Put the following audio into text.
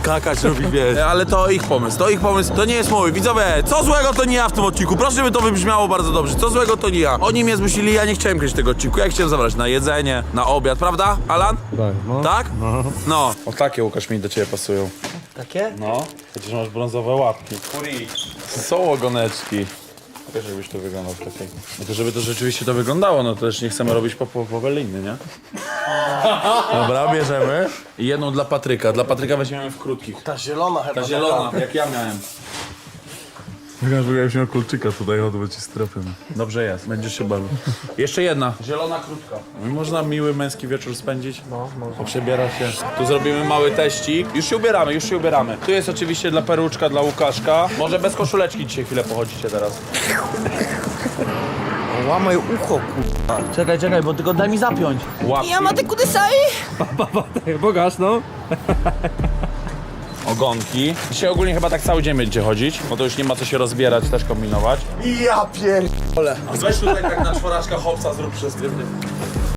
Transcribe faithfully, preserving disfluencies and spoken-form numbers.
skakać, robi wiesz. Ale to ich pomysł, to ich pomysł, to nie jest mój. Widzowie, co złego to nie ja w tym odcinku. Proszę, by to wybrzmiało bardzo dobrze. Co złego to nie ja. Oni mnie zmusili, ja nie chciałem kręcić tego odcinku. Ja chciałem zabrać na jedzenie, na obiad, prawda, Alan? Tak, no. Tak? No. No. O takie, Łukasz, mi do ciebie pasują. Takie? No. Chociaż masz brązowe łapki. Kuri. Są ogoneczki. Wiesz, jakbyś to wyglądał w takiej. No to żeby to rzeczywiście to wyglądało, no to też nie chcemy robić po, po, poweliny, nie? Dobra, bierzemy. I jedną dla Patryka. Dla Patryka weźmiemy w krótkich. Ta zielona chyba. Ta zielona, jak ja miałem. Wyglądasz, jakbyś miał kulczyka tutaj, odbyć ci strefy. Dobrze jest, będziesz się bawił. Jeszcze jedna. Zielona krótka. Można miły męski wieczór spędzić. No, może. Poprzebiera się. Tu zrobimy mały teścik. Już się ubieramy, już się ubieramy. Tu jest oczywiście dla Peruczka, dla Łukaszka. Może bez koszuleczki dzisiaj chwilę pochodzicie teraz. Łamaj ucho, kurwa. Czekaj, czekaj, bo tylko daj mi zapiąć. Łapki, Yamate kudasai! Bogaż, no. ogonki. Dzisiaj ogólnie chyba tak cały dzień będziecie chodzić, bo to już nie ma co się rozbierać, też kombinować. Ja pierdolę. Weź tutaj tak na czworaczka hopsa, zrób przestywny.